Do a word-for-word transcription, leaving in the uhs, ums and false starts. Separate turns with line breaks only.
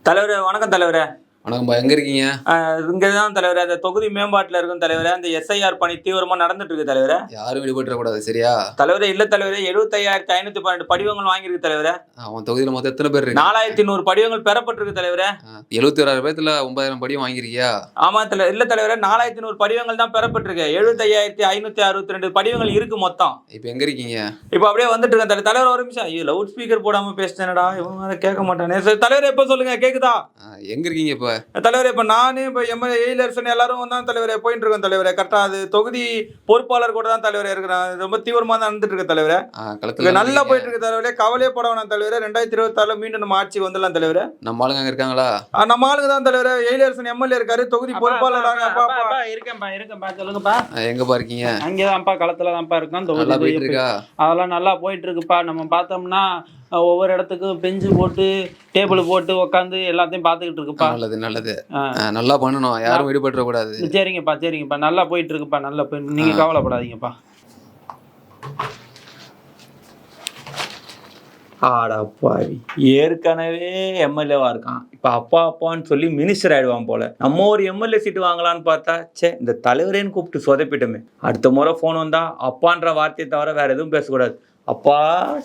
தலைவரே வணக்கம் தலைவரே.
வணக்கம்பா, எங்க இருக்கீங்க?
இங்கே தான் தலைவரே. அந்த தொகுதி மேம்பாட்டில் இருக்கும் தலைவரே. அந்த எஸ்ஐஆர் பணி தீவிரமாக நடந்துட்டு இருக்கு தலைவரே.
யாரும் விடுபட்டுறக்கூடாது, சரியா?
தலைவரே இல்லை தலைவரே, எழுபத்தையாயிரத்தி ஐநூற்றி பன்னெண்டு படிவங்கள் வாங்கியிருக்கு தலைவரே.
அவன் தொகுதியில் மொத்தம் எத்தனை பேர் இருக்கு?
நாலாயிரத்தி நூறு படிவங்கள் பெறப்பட்டிருக்கு தலைவரே.
எழுபத்தி ஓராயிரம் பேர்த்துல ஒன்பதாயிரம் படிவம் வாங்கியிருக்கியா?
ஆமா தலைவர். இல்லை தலைவரே, நாலாயிரத்தி நூறு படிவங்கள் தான் பெறப்பட்டிருக்கு. எழுபத்தையாயிரத்தி ஐநூற்றி அறுபத்தி ரெண்டு படிவங்கள் இருக்கு மொத்தம்.
இப்போ எங்க இருக்கீங்க?
இப்போ அப்படியே வந்துட்டு இருக்கேன் தலைவர். தலைவர் ஒரு நிமிஷம். ஐயோ, லவுட் ஸ்பீக்கர் போடாமல் பேசிட்டேனடா, இவங்க அதை கேட்க மாட்டானே. சரி தலைவரே, எப்போ சொல்லுங்க, கேட்குதா?
எங்க இருக்கீங்க இப்போ?
தலைவரே, இப்போ நானே இப்போ எம்எல்ஏ எயிலரசன் எல்லாரும் தான் தலைவரே போயிட்டு இருக்கோம் தலைவரே. கரெக்டாக அது தொகுதி பொறுப்பாளர் கூட தான் தலைவரே இருக்கிறேன். ரொம்ப தீவிரமாக தான் நடந்துட்டு இருக்கு தலைவரே. நல்லா போயிட்டு இருக்கு தலைவரே. கவலையே போட வேணாம் தலைவரே. ரெண்டாயிரத்தி இருபத்தி ஆறுல மீண்டும் நம்ம ஆட்சி வந்துடலாம் தலைவரே.
நம்ம ஆளுங்க அங்க இருக்காங்களா?
நம்ம ஆளுங்க தான் தலைவரே. எயிலரசன் எம்எல்ஏ இருக்காரு, தொகுதி பொறுப்பாளர்.
இருக்கேன்ப்பா இருக்கேன்ப்பா சொல்லுங்கப்பா.
எங்கப்பா இருக்கீங்க?
அங்கேதான்ப்பா, களத்துல தான்ப்பா இருக்கோம்.
நல்லா போயிட்டு இருக்கா?
அதெல்லாம் நல்லா போயிட்டு இருக்குப்பா. நம்ம பார்த்தோம்னா ஒவ்வொரு இடத்துக்கும் பெஞ்சு போட்டு டேபிள் போட்டு உட்காந்து எல்லாத்தையும் பார்த்துக்கிட்டு இருக்குப்பா.
நல்லது நல்லது, நல்லா பண்ணணும், யாரும் விடுபட்டுற கூடாது.
சரிங்கப்பா சரிங்கப்பா, நல்லா போயிட்டு இருக்குப்பா. நல்லா போய் நீங்க கவலைப்படாதீங்கப்பா.
ஆடாப்பாவி, ஏற்கனவே எம்எல்ஏவா இருக்கான், இப்போ அப்பா அப்பான்னு சொல்லி மினிஸ்டர் ஆயிடுவான் போல. நம்ம ஒரு எம்எல்ஏ சீட்டு வாங்கலான்னு பார்த்தா, சே இந்த தலைவரேன்னு கூப்பிட்டு சொதப்பிட்டோமே. அடுத்த முறை ஃபோன் வந்தா அப்பான்ற வார்த்தையை தவிர வேற எதுவும் பேசக்கூடாது. அப்பா